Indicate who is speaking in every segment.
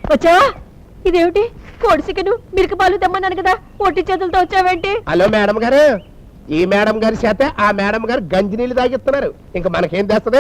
Speaker 1: వచ్చావా? ఇదేమిటి కోడి చికెను మిరక పాలు తెమ్మన్నాను కదా, ఒట్టి చేతులతో వచ్చావేంటి?
Speaker 2: హలో మేడం గారు, ఈ మేడం గారి చేత ఆ మేడం గారు గంజి నీళ్ళు తాగిస్తున్నారు. ఇంకా మనకేం తెస్తుంది?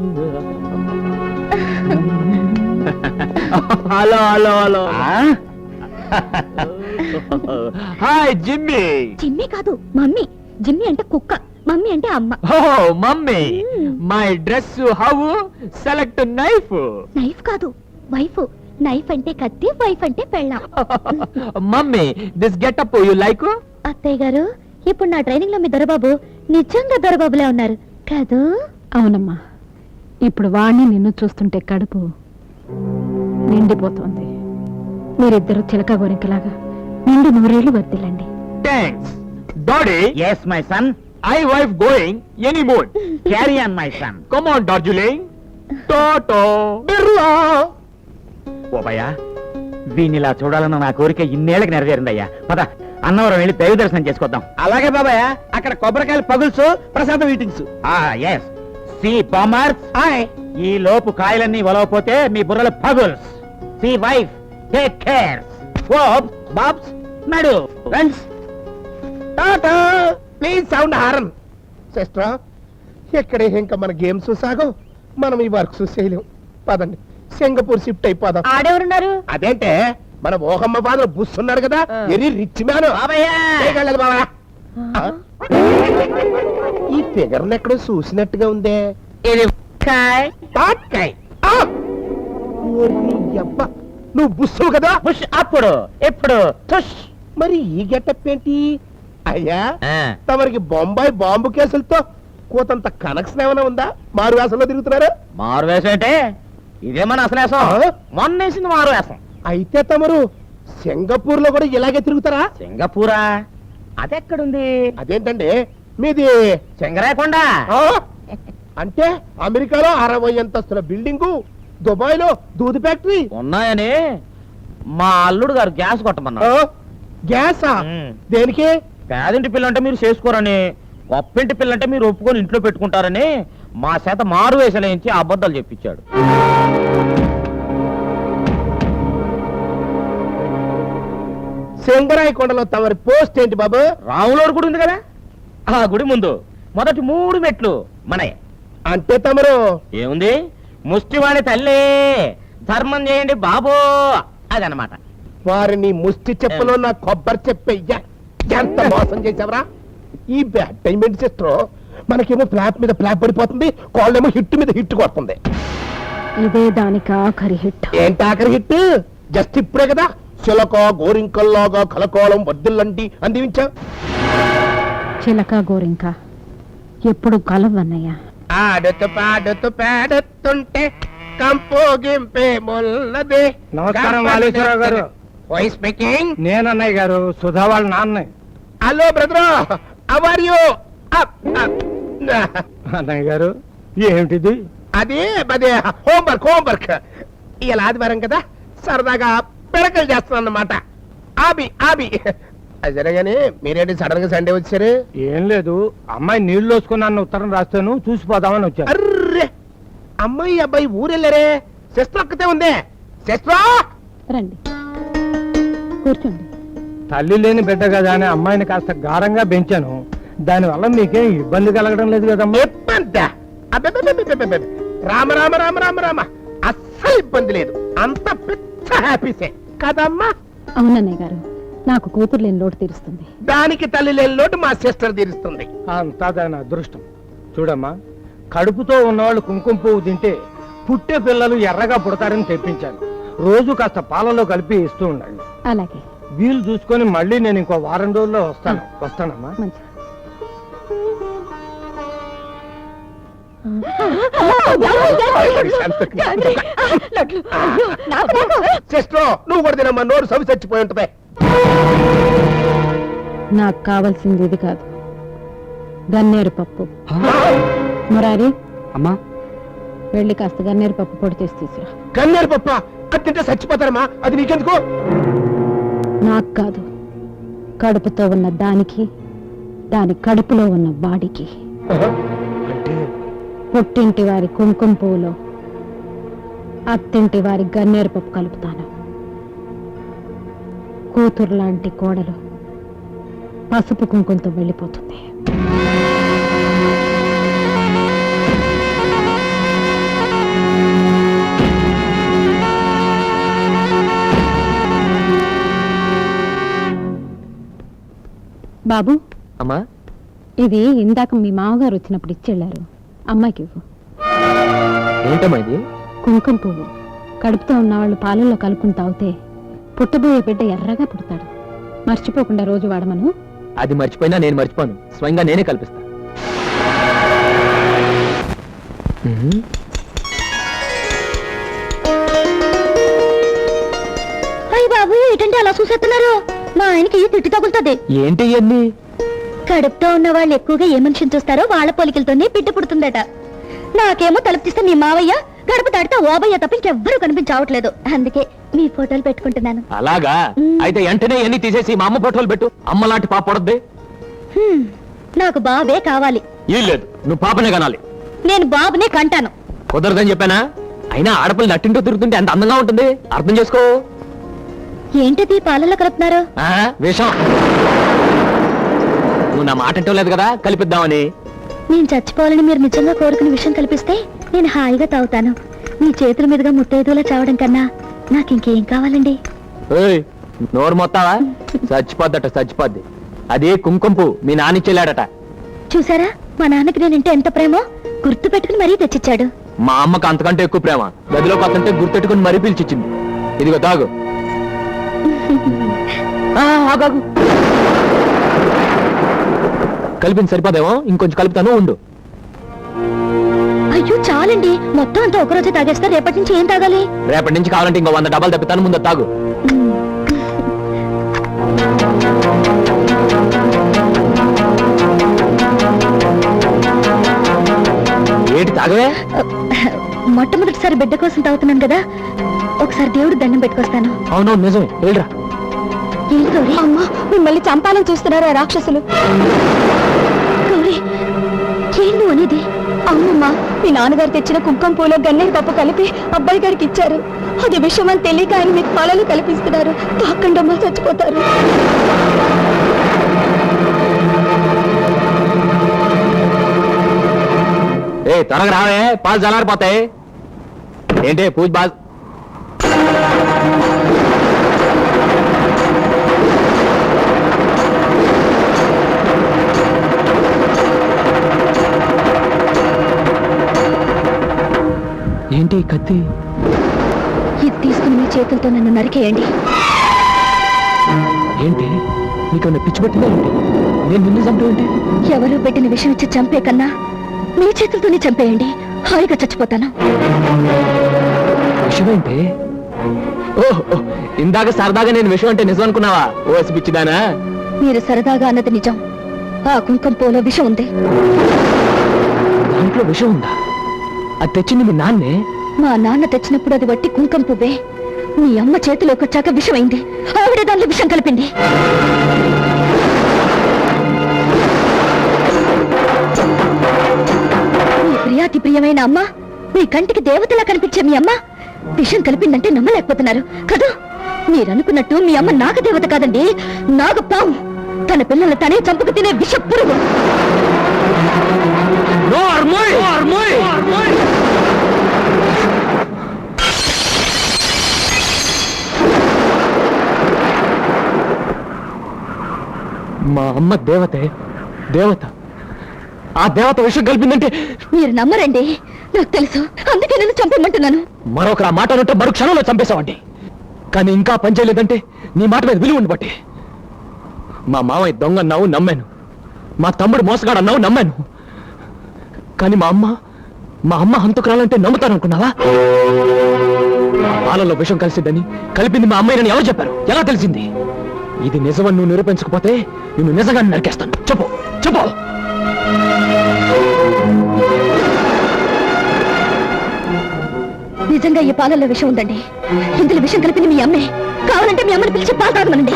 Speaker 3: Hello hello hello. Hi Jimmy.
Speaker 1: Jimmy కాదు మమ్మీ. జిమ్మి అంటే కుక్క, మమ్మీ అంటే అమ్మ.
Speaker 3: Oh mummy, my dress how? Select knife.
Speaker 1: Knife కాదు వైఫ్. నైఫ్ అంటే కత్తి, వైఫ్ అంటే పెళ్ళాం.
Speaker 3: Mummy, this getup you like?
Speaker 1: అత్తయ్య గారు, ఇప్పుడు నా ట్రైనింగ్ లో మీ దొరబాబు నిజంగా దొరబాబులే ఉన్నారు కాదు?
Speaker 4: అవునమ్మా, ఇప్పుడు వాణ్ణి నిన్ను చూస్తుంటే కడుపు నిండిపోతోంది. మీరిద్దరు చిలక గోరింకలాగా నిండు నూరేళ్లు వర్దిల్లండి.
Speaker 3: Thanks daddy.
Speaker 5: Yes, my son.
Speaker 3: I wife going any mood.
Speaker 5: Carry on, my son.
Speaker 3: Come on Darjeeling. Toto
Speaker 2: Birla.
Speaker 5: Oh భయ్యా, వీణిలా చూడాలన్న నా కోరిక ఇన్నేళ్ళకి నెరవేరిందయ్యా. పద, అన్నవరం వెళ్ళి దైవ దర్శనం చేసుకొద్దాం.
Speaker 2: అలాగే బాబాయ్, అక్కడ కొబ్బరికాయలు పగుల్సు, ప్రసాదం ఈటింగ్స్.
Speaker 5: ఎస్. సి బామర్స్, ఈ లోపు కాయలన్నీ వలవపోతే మీ బుర్రలు పగుల్స్. See wife, take care. Oops babs, నడు friends.
Speaker 2: Tata. Please sound horn. Sister, ఎక్కడే ఇంకా మన గేమ్స్ సాగో, మనం ఈ వర్క్స్ చేయలేం. పదండి, సింగపూర్ షిఫ్ట్ అయిపోదాం.
Speaker 1: ఆడెవరున్నారు?
Speaker 2: అదేంటే మన ఓహమ్మ ఫాదర్ బుస్ ఉన్నాడు కదా, వెరీ రిచ్ మ్యాన్. ఈ ఫిగర్ ఎక్కడో చూసినట్టుగా ఉందే.
Speaker 5: ఇది
Speaker 2: తాట్కాయ్. ఆ! ఓర్ని యబ్బ, నువ్వు బుస్సు కదా?
Speaker 5: పుష్. అప్పుడు ఎప్పుడు తుష్.
Speaker 2: మరి ఈ గెటప్ ఏంటి? అయ్యా, తమరికి బొంబాయి బాంబు కేసులతో కోతంత కనెక్షన్ ఏమైనా ఉందా? మారు వేసంలో తిరుగుతున్నారు?
Speaker 5: మారు వేసం అంటే ఇదే మన అసలు వేసం. మొన్న వేసింది మారు వేసం.
Speaker 2: అయితే తమరు సింగపూర్ లో కూడా ఇలాగే తిరుగుతారా?
Speaker 5: సింగపూరా? అదెక్కడుంది?
Speaker 2: అదేంటండి మీది?
Speaker 5: సింగరాయకొండ.
Speaker 2: ఆ? అంటే అమెరికాలో 60 అంతస్తుల బిల్డింగు, దుబాయ్ లో దూది ఫ్యాక్టరీ
Speaker 5: ఉన్నాయని మా అల్లుడు గారు గ్యాస్ కొట్టమన్నారు.
Speaker 2: గ్యాసా?
Speaker 5: మ్.
Speaker 2: దేనికి?
Speaker 5: పేదింటి పిల్లంటే మీరు చేసుకోరని, గొప్పింటి పిల్లంటే మీరు ఒప్పుకొని ఇంట్లో పెట్టుకుంటారని మా చేత మారు వేసలేంచి అబద్ధాలు చెప్పించాడు.
Speaker 2: సింగరాయకొండలో తమరి పోస్ట్ ఏంటి బాబు?
Speaker 5: రాములోడు గుడి ఉంది కదా, ఆ గుడి ముందు మొదటి 3 మెట్లు మనయే.
Speaker 2: అంటే తమరు
Speaker 5: ఏముంది, ముష్టివాడి తల్లి ధర్మం చేయండి బాబో, అదనమాట.
Speaker 2: వారిని ముష్టి చెప్పలో నా కొబ్బరి చెప్పయ్యా, ఎంత మోసం చేసావరా? ఈ బ్యాడ్ టైం ఏంటి సిస్టర్? మనకేమో ఫ్లాప్ మీద ఫ్లాప్ పడిపోతుంది, కాళ్ళేమో హిట్ మీద హిట్ కొడుతుంది.
Speaker 4: ఇదే దానికి ఆఖరి హిట్.
Speaker 2: ఏంటి ఆఖరి హిట్? జస్ట్ ఇప్పుడే కదా చిలక గోరింకల్లాగా కలకోలం వర్దిల్లంటి అందించా.
Speaker 4: చిలక గోరింక ఎప్పుడు కలవన్నయ్యా.
Speaker 2: ఆడుతూ పాడుతూ పాడుతుంటే కంపోగింపే మొల్లదే.
Speaker 6: నమస్కారం వాలేశ్వరరావు గారు.
Speaker 2: Voice speaking.
Speaker 6: నేను అన్నయ్య గారు, సుధా వాళ్ళ నాన్న.
Speaker 2: Hello brother, how are you?
Speaker 6: అన్నయ్య గారు, ఏమిటిది?
Speaker 2: అది హోంవర్క్. ఇలా ఆదివారం కదా, సరదాగా పిడకలు చేస్తున్నాను అన్నమాట. ఆబి అది జరగానే మీరేంటి సడన్ గా సండే వచ్చారు?
Speaker 6: ఏం లేదు, అమ్మాయి నీళ్లు వేసుకున్నాను ఉత్తరం రాస్తాను, చూసిపోదామని వచ్చాను.
Speaker 2: అర్రే, అమ్మాయి అబ్బాయి ఊరెళ్ళారే. సిస్టర్ ఒక్కతే ఉందే. సిస్టర్
Speaker 4: రండి కూర్చోండి.
Speaker 6: తల్లి లేని బిడ్డ కదా అని అమ్మాయిని కాస్త గారంగా పెంచాను. దానివల్ల మీకేం ఇబ్బంది కలగడం లేదు కదమ్మా?
Speaker 2: ఇబ్బంది? అబ్బబ్బబ్బబ్బబ్బబ్బ. రామ రామ రామ రామ రామ, అస్సలు ఇబ్బంది లేదు. అంత పిచ్చ హ్యాపీసే కదమ్మా?
Speaker 4: అవునన్నయ్య గారు, నాకు కూతురు లేని లోటు తీరుస్తుంది.
Speaker 2: దానికి తల్లి లేని లోటు మా సిస్టర్ తీరుస్తుంది.
Speaker 6: అంతా దాని అదృష్టం. చూడమ్మా, కడుపుతో ఉన్నవాళ్ళు కుంకుమ పువ్వు తింటే పుట్టే పిల్లలు ఎర్రగా పుడతారని తెప్పించాను. రోజు కాస్త పాలలో కలిపి ఇస్తూ ఉండండి.
Speaker 4: అలాగే.
Speaker 6: వీలు చూసుకొని మళ్ళీ నేను ఇంకో వారం రోజుల్లో వస్తానమ్మా.
Speaker 4: మంచిది.
Speaker 2: సిస్టర్ నువ్వు కూడా తినమ్మా, నోరు సవి చచ్చిపోయి ఉంటుంది.
Speaker 4: నాకు కావాల్సింది ఇది కాదు, గన్నేరు పప్పు. మురారి,
Speaker 3: అమ్మా,
Speaker 4: వెళ్ళి కాస్త గన్నేరు పప్పు పొడి చేసి తీసురా.
Speaker 2: కన్నేరు పప్ప అది తింటే చచ్చిపోతారమ్మా, అది నీకెందుకు?
Speaker 4: నాకు కాదు, కడుపుతో ఉన్న దానికి, దాని కడుపులో ఉన్న వాడికి. పుట్టింటి వారి కుంకుమ పువ్వులో అత్తింటి వారి గన్నేరు పప్పు కలుపుతాను. కూతురు లాంటి కోడలు పసుపు కుంకుమతో వెళ్ళిపోతుంది. బాబు,
Speaker 3: అమ్మా,
Speaker 4: ఇది ఇందాక మీ మామగారు వచ్చినప్పుడు ఇచ్చెళ్ళారు. అమ్మాయికి ఇవ్వు.
Speaker 3: ఏంటమ్మా ఇది?
Speaker 4: కుంకుమ పువ్వు. కడుపుతో ఉన్నవాళ్ళు పాలల్లో కలుపుకుని తాగితే పుట్టబోయే బిడ్డ ఎర్రగా పుడతాడు. మర్చిపోకుండా రోజు వాడమను.
Speaker 3: అది మర్చిపోయినా నేను మర్చిపోను, స్వయంగా నేనే కల్పిస్తా.
Speaker 1: అయ్య బాబు, ఏంటంటే అలా చూసేస్తున్నారు? మా ఆయనకి తిట్టి తగులుతుంది.
Speaker 3: ఏంటి ఇవన్నీ?
Speaker 1: కడుపుతో ఉన్న వాళ్ళు ఎక్కువగా ఏ మనిషిని చూస్తారో వాళ్ళ పోలికలతోనే బిడ్డ పుడుతుందట. నాకేమో తలుపు తీస్తే మీ మావయ్య, గడప దాటితే ఓబయ్య తప్ప ఇంకెవ్వరూ కనిపించవట్లేదు. అందుకే మీ ఫోటోలు పెట్టుకుంటున్నాను.
Speaker 3: అలాగా? అయితే వెంటనే ఎన్ని తీసేసి మా అమ్మ ఫోటోలు పెట్టు. అమ్మ లాంటి పాప పడద్ది.
Speaker 1: నాకు బాబే కావాలి.
Speaker 3: ఏం లేదు, నువ్వు పాపనే కనాలి.
Speaker 1: నేను బాబునే కంటాను.
Speaker 3: కుదరదని చెప్పానా? అయినా ఆడపిల్ల నట్టింటూ తిరుగుతుంటే ఎంత అందంగా ఉంటుంది, అర్థం చేసుకో.
Speaker 1: ఏంటిది పాలల్లో కలుపుతున్నారు?
Speaker 3: విషం. నువ్వు నా మాట అంటూ లేదు కదా కలిపిద్దామని.
Speaker 1: నేను చచ్చిపోవాలని మీరు నిజంగా కోరుకునే విషయం కల్పిస్తే నేను హాయిగా తాగుతాను. మీ చేతుల మీదుగా ముత్తైదులా చావడం కన్నా నాకు ఇంకేం కావాలండి?
Speaker 3: నోరు మొత్తావా? చచ్చిపోద్దట, చచ్చిపోద్ది. అది కుంకుమ పువ్వు మీ నాన్న చెల్లాడట.
Speaker 1: చూసారా, మా నాన్నకి నేనంటే ఎంత ప్రేమో గుర్తు పెట్టుకుని మరీ తెచ్చిచ్చాడు.
Speaker 3: మా అమ్మకు అంతకంటే ఎక్కువ ప్రేమ. గదిలోకి వస్తుంటే గుర్తెట్టుకుని మరీ పిలిచిచ్చింది. ఇదిగో తాగు. ఆగాగు. కలిపింది సరిపోదేమో, ఇంకొంచెం కలుపుతాను, ఉండు.
Speaker 1: అయ్యో చాలండి, మొత్తం అంతా ఒకరోజే తాగేస్తా. రేపటి నుంచి ఏం తాగాలి?
Speaker 3: రేపటి నుంచి కావాలంటే ఇంకో 100 డబ్బాలు తప్పితాను, ముందు తాగు. ఏంటి తాగవే?
Speaker 1: మొట్టమొదటిసారి బిడ్డ కోసం తాగుతున్నాను కదా, ఒకసారి దేవుడు దండం పెట్టుకొస్తాను.
Speaker 3: అవునవును, నిజమే. వెళ్ళరా.
Speaker 1: అమ్మా, మిమ్మల్ని చంపాలని చూస్తున్నారా రాక్షసులు? గౌరీ, ఏం నువ్వు అనేది? అమ్మమ్మ, మీ నాన్నగారు తెచ్చిన కుంకుమ పూలో గన్నేరు పప్పు కలిపి అబ్బాయి గారికి ఇచ్చారు. అది విషయం అని తెలియక ఆయన మీకు పాలలు కల్పిస్తున్నారు. తాకండమ్మ, చచ్చిపోతారు.
Speaker 3: త్వరగా రావే, పాలు చల్లారిపోతాయి. ఏంటి పూజ బాగా? ఏంటి కత్తి?
Speaker 1: ఇది తీసుకుని మీ చేతులతో నన్ను నరికేయండి.
Speaker 3: ఏంటి నీకు పిచ్చి పెట్టిందా ఏంటి? నేను నిన్ను చంపేంటి?
Speaker 1: ఎవరు పెట్టిన విషయం ఇచ్చి చంపే కన్నా మీ చేతులతోనే చంపేయండి. హాయిగా చచ్చిపోతాను.
Speaker 3: విషయం ఏంటి? ఓహో, ఇందాక సరదాగా నేను విషయం అంటే నిజం అనుకున్నావా? ఓసి పిచ్చిదానా?
Speaker 1: మీరు సరదాగా అన్నది నిజం. ఆ కుంకుమ పూలో విషం ఉంది.
Speaker 3: దాంట్లో విషం ఉందా? అది తెచ్చింది మీ నాన్నే?
Speaker 1: మా నాన్న తెచ్చినప్పుడు అది వట్టి కుంకుమ పువ్వే. మీ అమ్మ చేతిలోకి వచ్చాక విషం అయింది. ఆవిడే దానిలో విషం కలిపింది. మీ ప్రియాతి ప్రియమైన అమ్మ, మీ కంటికి దేవతలా కనిపించే మీ అమ్మ విషం కలిపిందంటే నమ్మలేకపోతున్నారు కదా? మీరనుకున్నట్టు మీ అమ్మ నాగదేవత కాదండి, నాగపాము. తన పిల్లల్ని తనే చంపుకు తినే విష పురుగు.
Speaker 3: మా అమ్మ దేవతే, దేవత. ఆ దేవత విషయం కలిపిందంటే
Speaker 1: మీరు నమ్మరండి, నాకు తెలుసు. అందుకే నేను చంపేమంటున్నాను.
Speaker 3: మరొకరు ఆ మాట అంటే మరో క్షణంలో చంపేశావండి. కానీ ఇంకా పనిచేయలేదంటే నీ మాట మీద విలువ ఉండబట్టి. మా మామయ్య దొంగ అన్నావు, నమ్మాను. మా తమ్ముడు మోసగాడు అన్నావు, నమ్మాను. కానీ మా అమ్మ హంతకురాలంటే నమ్ముతాను అనుకున్నావా? పాలలో విషం కలిసిద్దని కలిపింది మా అమ్మాయిని ఎవరు చెప్పారు? ఎలా తెలిసింది? ఇది నిజమని నువ్వు నిరూపించకపోతే నిన్ను నిజంగా నరికేస్తాను. చెప్పు చెప్పు.
Speaker 1: నిజంగా ఈ పాలల్లో విషం ఉందండి. ఇందులో విషం కలిపింది మీ అమ్మే. కావాలంటే మీ అమ్మని పిలిచి పాలు తాగమనండి.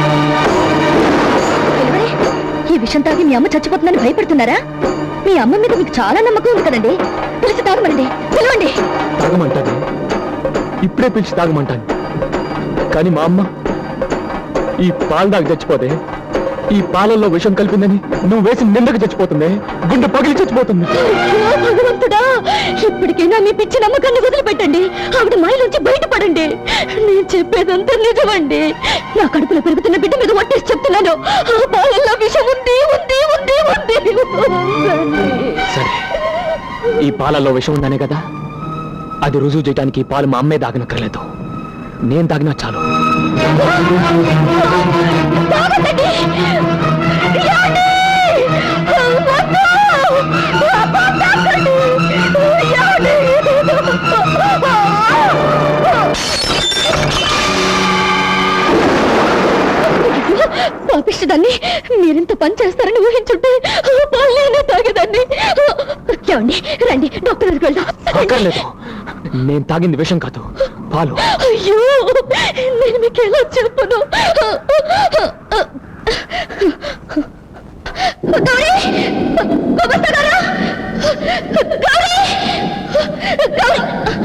Speaker 1: ఈ విషం తాగి మీ అమ్మ చచ్చిపోతుందని భయపడుతున్నారా? మీ అమ్మ మీద మీకు చాలా నమ్మకం ఉంది కదండి. పిలిచి తాగమనండి, పిలవండి.
Speaker 3: తాగమంటాను, ఇప్పుడే పిలిచి తాగమంటాను. కానీ మా అమ్మ ఈ పాలు దాకా చచ్చిపోతే ఈ పాలల్లో విషం కలిపిందని నువ్వు వేసి నిందకు చచ్చిపోతుంది, గుండె పగిలి చచ్చిపోతుంది.
Speaker 1: అయ్యో భగవంతుడా, ఇప్పటికైనా మీ పిచ్చి నమ్మకాన్ని వదిలిపెట్టండి. ఆవిడ మాయలోంచి బయటపడండి. నేను చెప్పేదంతా నిజమండి. నా కడుపులో పెరుగుతున్న బిడ్డ మీద ఒట్టేసి చెప్తున్నాను. ఆ పాలల్లో విషం ఉంది ఉంది ఉంది ఉంది.
Speaker 3: సరే, ఈ పాలల్లో విషం ఉందనే కదా, అది రుజువు చేయడానికి ఈ పాలు మా అమ్మే దాగనక్కర్లేదు, నేను తాగినా చాలు.
Speaker 1: తాగండి. ఏమండి? వద్దు. అబ్బా, తాగండి. ఏమండి? పాపిష్టదాన్ని, మీరింత పని చేస్తారని ఊహించుంటే పాలనే తాగేదాన్ని. ఏమండి, రండి డాక్టర్ దగ్గరికి వెళ్దాం.
Speaker 3: అక్కర్లేదు, నేను తాగింది విషం కాదు, పాలు.
Speaker 1: అయ్యో, నేను మీకు ఎలా చెప్పను? గౌరీ! గుమస్తా గారు! గౌరీ! గౌరీ!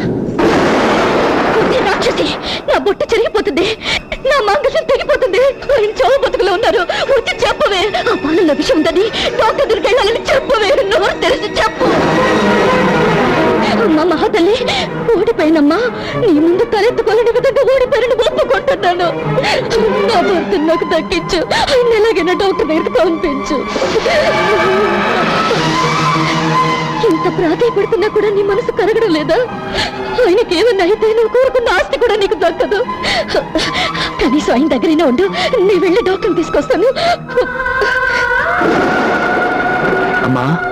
Speaker 1: ఉంది రాక్షసి, నా బొట్టు చెరిగిపోతుంది, నా మంగళం తెగిపోతుంది. ఆయన చావు బతుకులో ఉన్నారు. వచ్చి చెప్పవే, ఆ పాలల్లో విషయం ఉందని డాక్టర్ దగ్గరికి వెళ్ళాలని చెప్పవే. నోరు తెలిసి చెప్పు. అమ్మా మహాతల్లి, ఓడిపోయినమ్మా. నీ ముందు తలెత్తుకోలేని విధంగా ఓడిపోయిన ఒప్పుకుంటున్నాను. నా భర్త నాకు దక్కించు. ఆయన ఎలాగైనా డాక్టర్ దగ్గరికి పంపించు. ఇంత ప్రాధాయపడుతున్నా కూడా నీ మనసు కరగడం లేదా? ఆయనకి ఏమన్నా అయితే నువ్వు కోరుకున్న ఆస్తి కూడా నీకు దక్కదు. కనీసం ఆయన దగ్గరైనా ఉండు. నీ వెళ్ళి డాక్టర్ని తీసుకొస్తాను.
Speaker 3: అమ్మా,